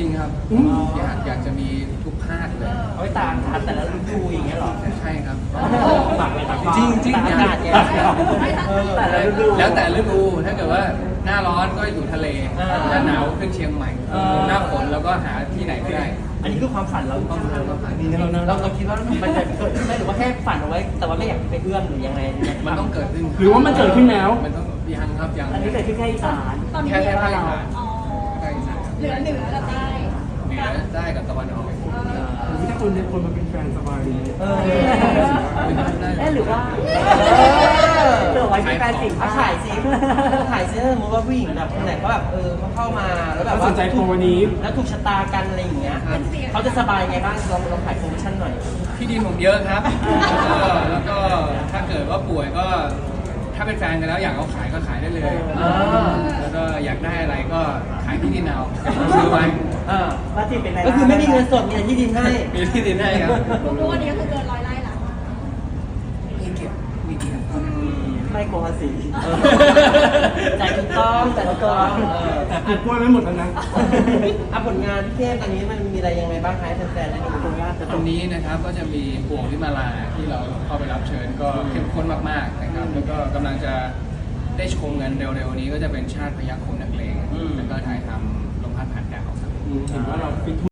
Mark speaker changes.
Speaker 1: ริงครับอยากจะมีทุกภาคเลย
Speaker 2: เอาไว้ตามทันแต่ละฤดูอย่างเงี้ยหรอ
Speaker 1: ใช่ครับ
Speaker 2: ฝากอะไรต่าง
Speaker 1: จริงๆ
Speaker 2: อากาศเนี่ยแต่ละฤดู
Speaker 1: แล้วแต่ฤดูถ้าเกิดว่าหน้าร้อนก็อยู่ทะเลหน้าหนาวขึ้นเชียงใหม่หน้าฝนเราก็หาที่ไหนก็ได้
Speaker 2: อันนี้คือความฝันเรา
Speaker 1: ความฝัน
Speaker 2: เราคิดว่ามันจะเกิดขึ้นไหมหรือว่าแค่ฝันเอาไว้แต่ว่าไม่อยากไปเอื้อมหรือยังไง
Speaker 1: มันต้องเกิดขึ้น
Speaker 3: หรือว่ามันเกิดขึ้นแล้ว
Speaker 1: มันต้องยังครับยัง
Speaker 2: อันนี้เกิดขึ้นแค่อีสาน
Speaker 1: แค่ภาคอีสาน
Speaker 4: อ๋อ
Speaker 1: ภาคอีสาน
Speaker 4: เหนือกับใต้
Speaker 1: เหนือได้กับตะวันออก
Speaker 3: ถ้าคนมาเป็นแฟนสบายดี
Speaker 2: หรือว่าเดี๋ยวไว้ที่แฟนสิขายซิขายซิสมมติว่าผู้หญิงแบบคนไหนก็แบบเขาเข้ามาแล้วแบบว่า
Speaker 3: สนใจโปรวันนี้
Speaker 2: แล้วถูกชะตากันอะไรอย่างเงี้ยเขาจะสบายไงบ้างลองขายโปรโมชั่นหน่อย
Speaker 1: ที่ดินผมเยอะครับ แล้วก็ถ้าเกิดว่าป่วยก็ถ้าเป็นแฟนกันแล้วอยากเอาขายก็ขายได้เลย แล้วก็อยากได้อะไรก็ขายที่ดินเอาซื้อไว้
Speaker 2: ว่าที่เป็นอะไรก็คือไม่มีเงินสดมีแต่ที่ดินให้
Speaker 1: มีที่ดินให้ครับ
Speaker 4: รู้วันนี้ก็คือเกิน100 ไร่แล้ว
Speaker 1: มีเก็บมีเก็บ
Speaker 2: ไม่กลัวภาษีจ่ายถูกต้องแต่ถูกต้อง
Speaker 3: ปลูกกล้วยไม่หมดแล้วนะ
Speaker 2: ผลงานพี่เทพตอนนี้มันมีอะไรยังไงบ้างคะให้แฟนๆได้ดูผลงาน
Speaker 1: ตรงนี้นะครับก็จะมีพวงวิมาลาที่เราเข้าไปรับเชิญก็เข้มข้นมากๆนะครับแล้วก็กำลังจะได้ชมกันเร็วๆนี้ก็จะเป็นชาติพยัคฆ์คมนักเลงแล้วก็ถ่ายทำลมพัดผ่านดาวครับ
Speaker 3: เห็นว่าเราฟิต